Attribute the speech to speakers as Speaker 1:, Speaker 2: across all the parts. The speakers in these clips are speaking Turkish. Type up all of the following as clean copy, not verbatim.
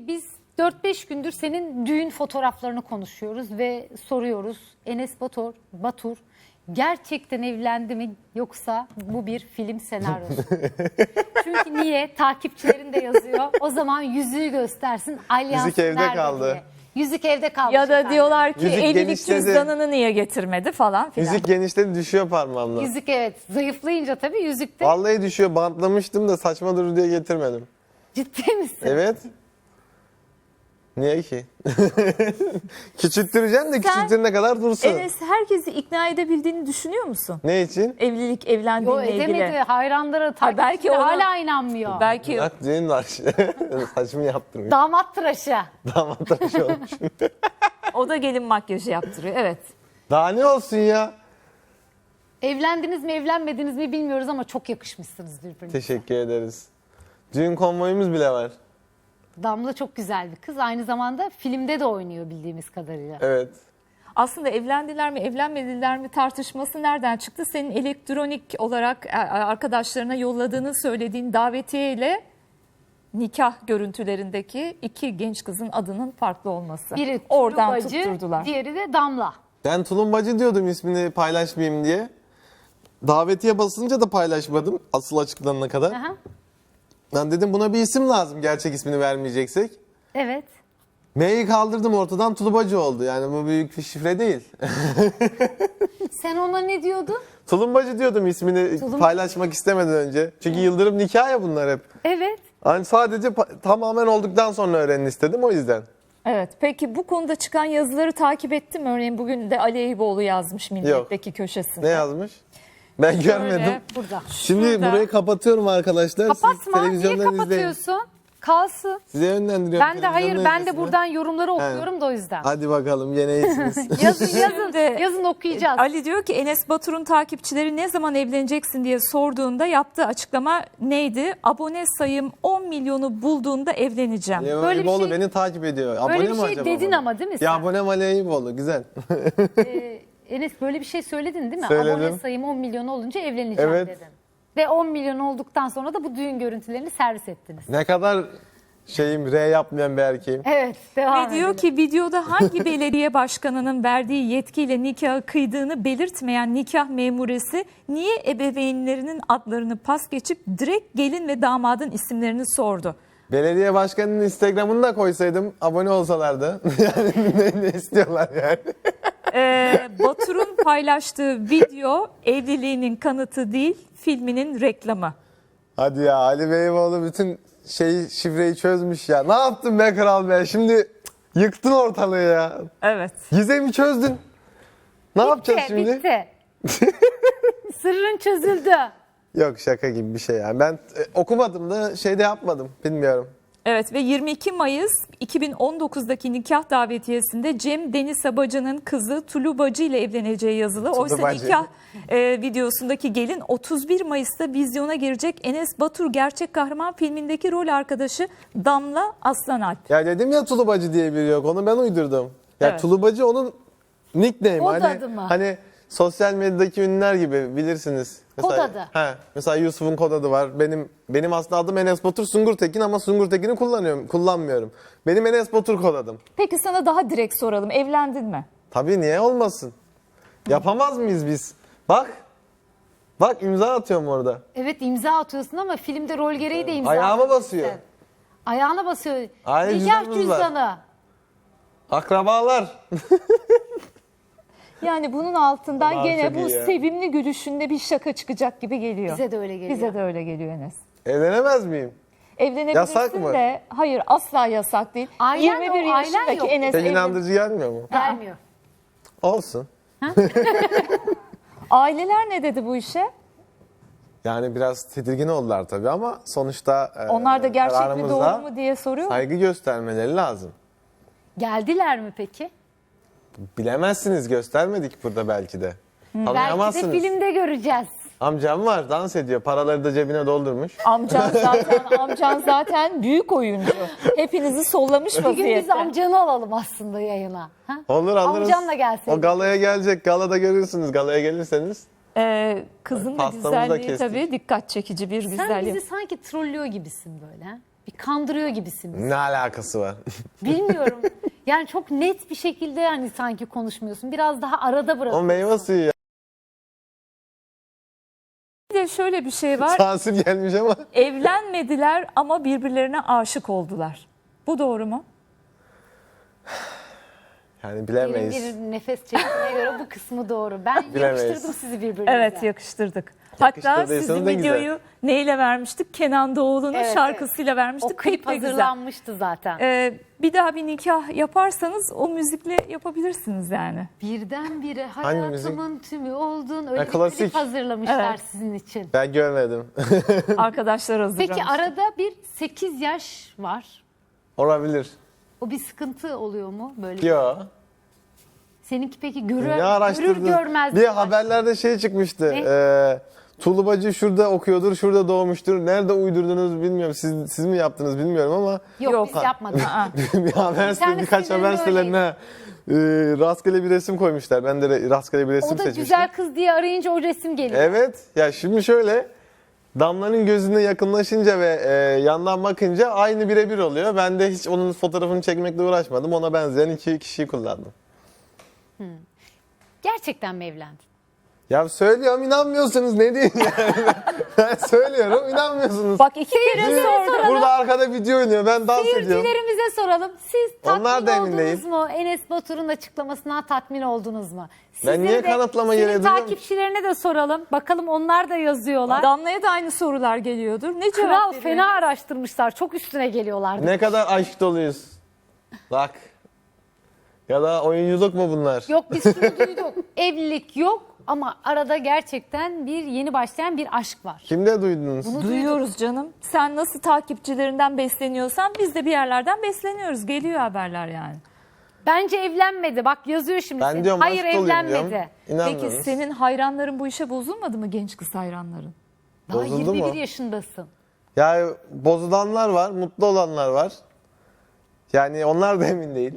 Speaker 1: Biz 4-5 gündür senin düğün fotoğraflarını konuşuyoruz ve soruyoruz. Enes Batur gerçekten evlendi mi yoksa bu bir film senaryosu? Çünkü niye? Takipçilerin de yazıyor. O zaman yüzüğü göstersin. Alyans
Speaker 2: Yüzük evde
Speaker 1: nerede
Speaker 2: kaldı.
Speaker 1: diye. Yüzük evde kaldı.
Speaker 3: Ya da diyorlar ki
Speaker 2: Yüzük
Speaker 3: evlilik
Speaker 2: genişledi.
Speaker 3: cüzdanını niye getirmedi falan filan.
Speaker 2: Yüzük genişledi, düşüyor parmağımdan.
Speaker 1: Yüzük evet. Zayıflayınca tabii yüzükte.
Speaker 2: Vallahi düşüyor. Bantlamıştım da saçma durur diye getirmedim.
Speaker 1: Ciddi misin?
Speaker 2: Evet. Niye ki? Küçülttüreceğim de küçülttürene kadar dursun.
Speaker 3: Enes herkesi ikna edebildiğini düşünüyor musun?
Speaker 2: Ne için?
Speaker 3: Evlilik,
Speaker 1: Yo,
Speaker 3: evlendiğinle
Speaker 1: edemedi.
Speaker 3: ilgili.
Speaker 1: Hayranları,
Speaker 3: belki
Speaker 1: takipçileri
Speaker 3: ona-
Speaker 1: hala inanmıyor.
Speaker 3: Belki
Speaker 2: Bak düğün var. Saçımı yaptırmış.
Speaker 1: Damat tıraşı.
Speaker 2: Damat tıraşı olmuş.
Speaker 3: o da gelin makyajı yaptırıyor. Evet.
Speaker 2: Daha ne olsun ya?
Speaker 1: Evlendiniz mi evlenmediniz mi bilmiyoruz ama çok yakışmışsınız birbirinize.
Speaker 2: Teşekkür ederiz. Düğün konvoyumuz bile var.
Speaker 1: Damla çok güzel bir kız. Aynı zamanda filmde de oynuyor bildiğimiz kadarıyla.
Speaker 2: Evet.
Speaker 3: Aslında evlendiler mi evlenmediler mi tartışması nereden çıktı? Senin elektronik olarak arkadaşlarına yolladığını söylediğin davetiye nikah görüntülerindeki iki genç kızın adının farklı olması.
Speaker 1: Biri
Speaker 3: Oradan
Speaker 1: Tulu Bacı,
Speaker 3: tutturdular.
Speaker 1: diğeri de Damla.
Speaker 2: Ben Tulumbacı diyordum ismini paylaşmayayım diye. Davetiye basınca da paylaşmadım asıl açıklanana kadar.
Speaker 1: Aha.
Speaker 2: Ben dedim buna bir isim lazım gerçek ismini vermeyeceksek.
Speaker 1: Evet.
Speaker 2: M'yi kaldırdım ortadan Tulubacı oldu. Yani bu büyük bir şifre değil.
Speaker 1: Sen ona ne diyordun?
Speaker 2: Tulumbacı diyordum ismini paylaşmak istemeden önce. Çünkü Yıldırım nikah ya bunlar hep.
Speaker 1: Evet.
Speaker 2: Hani sadece tamamen olduktan sonra öğrenin istedim o yüzden.
Speaker 3: Evet. Peki bu konuda çıkan yazıları takip ettin mi? Örneğin bugün de Ali Eyüboğlu yazmış Milliyet'teki köşesinde.
Speaker 2: Ne yazmış? Ben görmedim.
Speaker 1: Burada.
Speaker 2: Şimdi
Speaker 3: Şurada.
Speaker 2: burayı kapatıyorum arkadaşlar. Siz
Speaker 1: Kapatma. Niye
Speaker 2: televizyondan izleyin.
Speaker 1: kapatıyorsun? Kalsın.
Speaker 2: Size yönlendiriyorum.
Speaker 1: Ben de hayır
Speaker 2: televizyondan
Speaker 1: ben de
Speaker 2: izlesin.
Speaker 1: buradan yorumları okuyorum da o yüzden.
Speaker 2: Hadi bakalım gene iyisiniz.
Speaker 1: Yazın okuyacağız.
Speaker 3: Ali diyor ki Enes Batur'un takipçileri ne zaman evleneceksin diye sorduğunda yaptığı açıklama neydi? Abone sayım 10 milyonu bulduğunda evleneceğim.
Speaker 2: Ali
Speaker 1: Böyle bir
Speaker 2: Eyüboğlu
Speaker 1: şey-
Speaker 2: beni takip ediyor. Abone
Speaker 1: Böyle bir
Speaker 2: mi
Speaker 1: şey
Speaker 2: acaba
Speaker 1: dedin
Speaker 2: bana?
Speaker 1: ama değil mi sen?
Speaker 2: Ya abonem Ali Eyüboğlu güzel.
Speaker 1: Enes böyle bir şey söyledin değil mi?
Speaker 2: Söyledim.
Speaker 1: Abone sayım 10 milyon olunca evleneceğim
Speaker 2: Evet.
Speaker 1: dedin. Ve 10 milyon olduktan sonra da bu düğün görüntülerini servis ettiniz.
Speaker 2: Ne kadar R yapmayan bir erkeğim.
Speaker 1: Evet, devam
Speaker 3: Ve diyor
Speaker 1: edelim.
Speaker 3: ki videoda hangi belediye başkanının verdiği yetkiyle nikahı kıydığını belirtmeyen nikah memuresi niye ebeveynlerinin adlarını pas geçip direkt gelin ve damadın isimlerini sordu.
Speaker 2: Belediye başkanının Instagram'ını da koysaydım abone olsalardı. Yani ne istiyorlar yani.
Speaker 3: Batur'un paylaştığı video evliliğinin kanıtı değil filminin reklamı.
Speaker 2: Hadi ya Ali Beyboğlu bütün şifreyi çözmüş ya. Ne yaptın be kral be? Şimdi yıktın ortalığı ya.
Speaker 3: Evet.
Speaker 2: Gizemi çözdün. Ne yapacağız şimdi?
Speaker 1: Bitti. Sırrın çözüldü.
Speaker 2: Yok şaka gibi bir şey yani. Ben okumadım da şeyde yapmadım. Bilmiyorum.
Speaker 3: Evet ve 22 Mayıs 2019'daki nikah davetiyesinde Cem Deniz Sabacı'nın kızı Tulu Bacı ile evleneceği yazılı. Oysa
Speaker 2: Bacı.
Speaker 3: nikah videosundaki gelin 31 Mayıs'ta vizyona girecek Enes Batur gerçek kahraman filmindeki rol arkadaşı Damla Aslanalp.
Speaker 2: Ya dedim ya Tulubacı diye biri yok. Onu ben uydurdum. Ya
Speaker 3: Evet.
Speaker 2: Tulubacı onun nickname.
Speaker 1: Kod
Speaker 2: hani,
Speaker 1: adı mı?
Speaker 2: Hani sosyal medyadaki ünlüler gibi bilirsiniz.
Speaker 1: Kod adı.
Speaker 2: Mesela Yusuf'un kod adı var. Benim aslında adım Enes Batur Sungurtekin ama Sungurtekin'i kullanmıyorum. Benim Enes Batur kod adım.
Speaker 3: Peki sana daha direkt soralım, evlendin mi?
Speaker 2: Tabii niye olmasın? Yapamaz mıyız biz? Bak imza atıyorum orada.
Speaker 1: Evet imza atıyorsun ama filmde rol gereği de imza
Speaker 2: Ayağıma
Speaker 1: atıyorsun
Speaker 2: basıyor.
Speaker 1: sen. Ayağına basıyor.
Speaker 2: Aile
Speaker 1: Nikah
Speaker 2: cüzdanımız var.
Speaker 1: cüzdanı.
Speaker 2: Akrabalar.
Speaker 3: Yani bunun altından
Speaker 2: Allah'ım
Speaker 3: gene
Speaker 2: çok
Speaker 3: bu
Speaker 2: iyi ya.
Speaker 3: sevimli gülüşünde bir şaka çıkacak gibi geliyor.
Speaker 1: Bize de öyle geliyor.
Speaker 3: Bize de öyle geliyor Enes.
Speaker 2: Evlenemez miyim?
Speaker 3: Evlenebilirsin
Speaker 2: Yasak mı?
Speaker 3: de hayır asla yasak değil.
Speaker 1: Ailen
Speaker 3: 21
Speaker 1: o, ailen
Speaker 3: yaşındaki
Speaker 1: yok.
Speaker 3: Enes
Speaker 2: Pek inandırıcı gelmiyor mu?
Speaker 1: Gelmiyor.
Speaker 2: Olsun.
Speaker 3: Aileler ne dedi bu işe?
Speaker 2: Yani biraz tedirgin oldular tabii ama sonuçta
Speaker 3: Onlar da gerçek mi
Speaker 2: kararımızda
Speaker 3: doğru mu diye soruyor mu?
Speaker 2: saygı göstermeleri lazım.
Speaker 1: Geldiler mi peki?
Speaker 2: Bilemezsiniz göstermedik burada belki de.
Speaker 1: Belki de
Speaker 2: Anlayamazsınız.
Speaker 1: filmde göreceğiz.
Speaker 2: Amcam var dans ediyor. Paraları da cebine doldurmuş.
Speaker 3: Amcan zaten büyük oyuncu. Hepinizi sollamış
Speaker 1: Bir gün biz
Speaker 3: vaziyette.
Speaker 1: amcanı alalım aslında yayına. Ha?
Speaker 2: Olur alırız.
Speaker 1: Amcanla gelseydik.
Speaker 2: O galaya gelecek. Galada görürsünüz. Galaya gelirseniz.
Speaker 3: Kızın da
Speaker 2: Pastamızı da
Speaker 3: güzelliği
Speaker 2: kestik.
Speaker 3: tabii dikkat çekici bir
Speaker 1: Sen
Speaker 3: güzelliği.
Speaker 1: bizi sanki trollüyor gibisin böyle. Ha? Bir kandırıyor gibisiniz.
Speaker 2: Ne alakası var?
Speaker 1: Bilmiyorum. Yani çok net bir şekilde yani sanki konuşmuyorsun. Biraz daha arada
Speaker 2: O
Speaker 1: bırakıyorsun.
Speaker 2: meyve suyu ya.
Speaker 3: Bir de şöyle bir şey var.
Speaker 2: Sansür gelmiş ama.
Speaker 3: Evlenmediler ama birbirlerine aşık oldular. Bu doğru mu?
Speaker 2: Yani
Speaker 1: Derin
Speaker 2: bilemeyiz.
Speaker 1: bir nefes çektiğine göre bu kısmı doğru. Ben
Speaker 2: Bilemeyiz.
Speaker 1: yakıştırdım sizi birbirinize.
Speaker 3: Evet, yakıştırdık. Hatta
Speaker 2: Yakıştırdıysanız
Speaker 3: sizin
Speaker 2: ne güzel.
Speaker 3: videoyu neyle vermiştik? Kenan Doğulu'nun
Speaker 1: Evet,
Speaker 3: şarkısıyla
Speaker 1: O
Speaker 3: vermiştik.
Speaker 1: klip
Speaker 3: de güzel.
Speaker 1: hazırlanmıştı zaten.
Speaker 3: Bir daha bir nikah yaparsanız o müzikle yapabilirsiniz yani.
Speaker 1: Birdenbire
Speaker 2: Hangi
Speaker 1: hayatımın tümü oldun. Öyle
Speaker 2: Ha,
Speaker 1: bir
Speaker 2: klasik.
Speaker 1: klip hazırlamışlar
Speaker 3: Evet.
Speaker 1: sizin için.
Speaker 2: Ben görmedim.
Speaker 3: Arkadaşlar hazırlamış.
Speaker 1: Peki arada bir 8 yaş var.
Speaker 2: Olabilir.
Speaker 1: O bir sıkıntı oluyor mu? Böyle.
Speaker 2: Yo.
Speaker 1: Seninki peki
Speaker 2: Ne
Speaker 1: görür
Speaker 2: araştırdın?
Speaker 1: görmez.
Speaker 2: Bir haberlerde şey çıkmıştı.
Speaker 1: Ne?
Speaker 2: Tulubacı şurada okuyordur, şurada doğmuştur. Nerede uydurdunuz bilmiyorum. Siz mi yaptınız bilmiyorum ama
Speaker 1: Yok biz yapmadık.
Speaker 2: bir haber sitesi,
Speaker 1: İnternet
Speaker 2: birkaç haber
Speaker 1: sitelerinde
Speaker 2: sitelerine rastgele bir resim koymuşlar. Ben de rastgele bir resim
Speaker 1: O da
Speaker 2: seçmiştim.
Speaker 1: güzel kız diye arayınca o resim geliyor.
Speaker 2: Evet. Ya şimdi şöyle Damla'nın gözüne yakınlaşınca ve yandan bakınca aynı birebir oluyor. Ben de hiç onun fotoğrafını çekmekle uğraşmadım. Ona benzeyen iki kişiyi kullandım.
Speaker 1: Gerçekten mi evlendin?
Speaker 2: Ya söylüyorum inanmıyorsunuz ne diyeyim yani. Ben söylüyorum inanmıyorsunuz.
Speaker 3: Bak iki kere sordum.
Speaker 2: Burada arkada video oynuyor ben dans ediyorum.
Speaker 1: Seyircilerimize soralım. Siz
Speaker 2: Onlar da
Speaker 1: tatmin
Speaker 2: emin
Speaker 1: oldunuz
Speaker 2: değil.
Speaker 1: mu? Enes Batur'un açıklamasından tatmin oldunuz mu?
Speaker 2: Ben niye kanıtlama gereği
Speaker 1: senin
Speaker 2: duyuyorum?
Speaker 1: takipçilerine de soralım. Bakalım onlar da yazıyorlar.
Speaker 3: Damla'ya da aynı sorular geliyordur. Ne cevap
Speaker 1: Kral
Speaker 3: veriyor?
Speaker 1: fena araştırmışlar. Çok üstüne geliyorlardı.
Speaker 2: Ne kadar aşk doluyuz. Bak. Ya da oyunculuk mu bunlar?
Speaker 1: Yok biz şunu duyduk. Evlilik yok ama arada gerçekten bir yeni başlayan bir aşk var.
Speaker 2: Kimde duydunuz?
Speaker 1: Bunu
Speaker 3: Duyuyoruz canım. Sen nasıl takipçilerinden besleniyorsan biz de bir yerlerden besleniyoruz. Geliyor haberler yani.
Speaker 1: Bence evlenmedi. Bak yazıyor şimdi.
Speaker 2: Ben
Speaker 1: senin.
Speaker 2: diyorum
Speaker 1: Hayır
Speaker 2: aşk doluyum
Speaker 1: evlenmedi.
Speaker 2: diyorum.
Speaker 3: Peki
Speaker 2: İnanmıyorsunuz.
Speaker 3: senin hayranların bu işe bozulmadı mı, genç kız hayranların?
Speaker 1: Daha
Speaker 2: Bozuldu
Speaker 1: 21
Speaker 2: mu?
Speaker 1: yaşındasın.
Speaker 2: Ya bozulanlar var, mutlu olanlar var. Yani onlar da emin değil.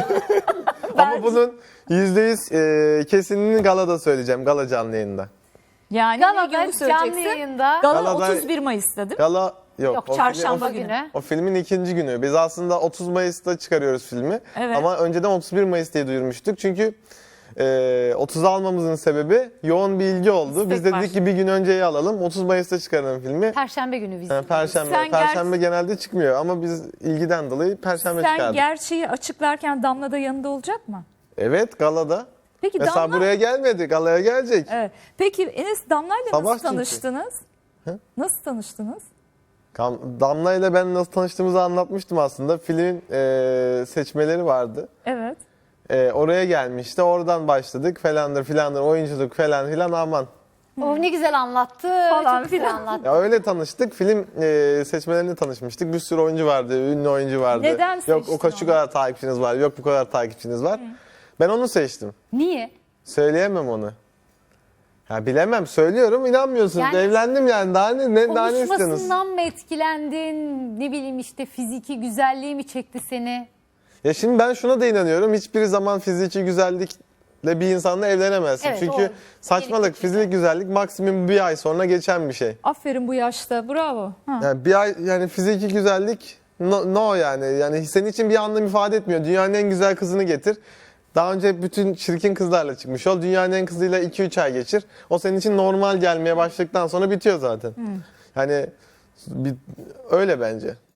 Speaker 2: Ama bunun %100 kesinini galada söyleyeceğim. Gala canlı yayında.
Speaker 3: Yani
Speaker 1: Galada
Speaker 3: ne günü
Speaker 1: canlı
Speaker 3: söyleyeceksin?
Speaker 1: yayında.
Speaker 3: Gala
Speaker 2: Galada-
Speaker 3: 31 Mayıs'ta değil mi?
Speaker 2: Gala yok.
Speaker 1: Yok,
Speaker 2: o
Speaker 3: çarşamba
Speaker 2: film-
Speaker 3: günü.
Speaker 2: O filmin ikinci günü. Biz aslında 30 Mayıs'ta çıkarıyoruz filmi.
Speaker 3: Evet.
Speaker 2: Ama önceden 31 Mayıs diye duyurmuştuk. Çünkü 30'a almamızın sebebi yoğun bir ilgi oldu.
Speaker 1: İstek
Speaker 2: Biz de
Speaker 1: var.
Speaker 2: dedik ki bir gün önceyi alalım. 30 Mayıs'ta çıkaralım filmi.
Speaker 1: Perşembe günü vizyonu.
Speaker 2: Yani Perşembe.
Speaker 3: Sen
Speaker 2: Perşembe genelde çıkmıyor ama biz ilgiden dolayı Perşembe
Speaker 3: Sen
Speaker 2: çıkardık.
Speaker 3: gerçeği açıklarken Damla da yanında olacak mı?
Speaker 2: Evet galada.
Speaker 3: Peki
Speaker 2: Mesela
Speaker 3: Damla...
Speaker 2: buraya gelmedi. Galaya gelecek.
Speaker 3: Evet. Peki Enes, Damla'yla
Speaker 2: Sabah
Speaker 3: nasıl
Speaker 2: çünkü.
Speaker 3: tanıştınız? Nasıl tanıştınız?
Speaker 2: Damla ile ben nasıl tanıştığımızı anlatmıştım aslında. Filmin seçmeleri vardı.
Speaker 3: Evet.
Speaker 2: Oraya gelmişti. Oradan başladık falandır filandır oyunculuk falan filan aman.
Speaker 1: O ne güzel anlattı.
Speaker 3: Falan
Speaker 1: Çok güzel
Speaker 3: filan.
Speaker 1: anlattı.
Speaker 2: Ya öyle tanıştık. Film seçmelerinde tanışmıştık. Bir sürü oyuncu vardı. Ünlü oyuncu vardı.
Speaker 3: Neden
Speaker 2: Yok
Speaker 3: seçtin
Speaker 2: şu kadar takipçiniz var. Yok bu kadar takipçiniz var. Ben onu seçtim.
Speaker 1: Niye?
Speaker 2: Söyleyemem onu. Ya bilemem. Söylüyorum inanmıyorsunuz.
Speaker 1: Yani-
Speaker 2: Evlendim yani. Daha ne istiyorsunuz?
Speaker 1: Konuşmasından mı etkilendin? Ne bileyim işte fiziki güzelliği mi çekti seni?
Speaker 2: Ya şimdi ben şuna da inanıyorum. Hiçbir zaman fiziki güzellikle bir insanla evlenemezsin.
Speaker 1: Evet,
Speaker 2: Çünkü
Speaker 1: o
Speaker 2: saçmalık,
Speaker 1: gerekli
Speaker 2: fiziksel güzellik maksimum bir ay sonra geçen bir şey.
Speaker 3: Aferin bu yaşta. Bravo. Ha.
Speaker 2: Yani bir ay yani fiziki güzellik no yani. Yani senin için bir anlam ifade etmiyor. Dünyanın en güzel kızını getir. Daha önce bütün çirkin kızlarla çıkmış ol. Dünyanın en kızıyla 2-3 ay geçir. O senin için normal gelmeye başladıktan sonra bitiyor zaten. Yani öyle bence.